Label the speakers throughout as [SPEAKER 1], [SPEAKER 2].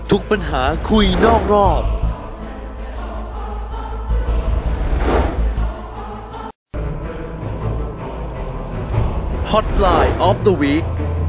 [SPEAKER 1] ทุกปัญหาคุยนอกรอบHotline of the Week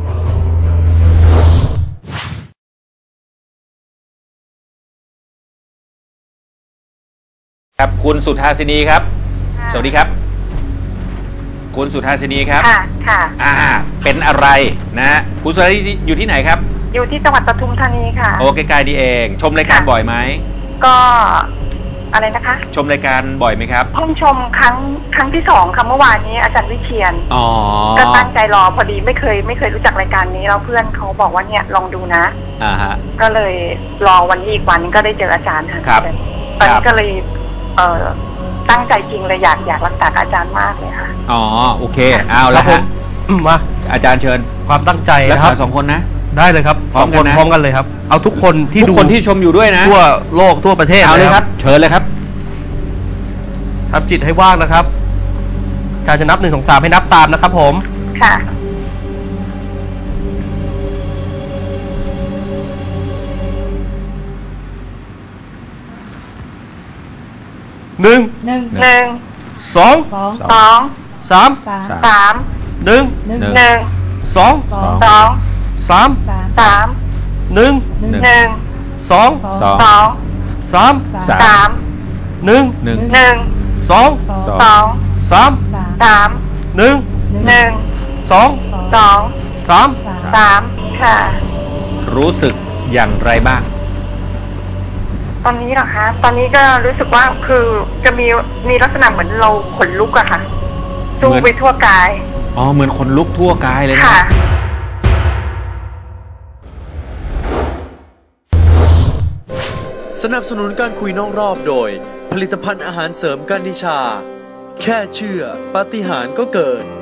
[SPEAKER 2] ครับคุณสุธาสินีครับสวัสดีครับคุณสุธาสินีครับค่ะเป็นอะไรนะคุณสุธาสินีอยู่ที่ไหนครับ
[SPEAKER 3] อยู่ที่จังหวัดปทุมธานีค่ะ
[SPEAKER 2] โอใกล้ๆนี่เองชมรายการบ่อยไหม
[SPEAKER 3] ก็อะไรนะคะ
[SPEAKER 2] ชมรายการบ่อยไหมครับ
[SPEAKER 3] เพิ่งชมครั้งที่2ค่ะเมื่อวานนี้อาจารย์วิเชียรก็ตั้งใจรอพอดีไม่เคยรู้จักรายการนี้แล้วเพื่อนเขาบอกว่าเนี่ยลองดูนะก็เลยรอวันนี้อีกวันก็ได้เจออาจารย์ค่ะตอนนี้ก็เลยตั้งใจจริงเลยอยากรักษาอาจารย์มากเลยค่ะ
[SPEAKER 2] อ๋อโอเคเอาแล้วผมมาอาจารย์เชิญ
[SPEAKER 4] ความตั้งใจ
[SPEAKER 2] รักษา2 คนนะ
[SPEAKER 4] ได้เลยครับ2 คนพร้อมกันเลยครับเอาทุกคนที่ดู
[SPEAKER 2] ที่ชมอยู่ด้วยนะ
[SPEAKER 4] ทั่วโลกทั่วประเทศ
[SPEAKER 2] เอาเลยครับเชิญเลยครับ
[SPEAKER 4] ทำจิตให้ว่างนะครับอาจารย์จะนับ1 2 3ให้นับตามนะครับผม
[SPEAKER 3] ค่ะ
[SPEAKER 4] 1 2 3
[SPEAKER 3] ค่ะ
[SPEAKER 2] รู้สึกอย่างไรบ้าง
[SPEAKER 3] ตอนนี้เหรอคะตอนนี้ก็รู้สึกว่าคือจะมีลักษณะเหมือนเราขนลุกอะค่ะสู้ไปทั่วกาย
[SPEAKER 2] อ๋อเหมือนขนลุกทั่วกายเลยนะ
[SPEAKER 3] ค่ะ
[SPEAKER 1] สนับสนุนการคุยนอกรอบโดยผลิตภัณฑ์อาหารเสริมกันนิชาแค่เชื่อปาฏิหาริย์ก็เกิด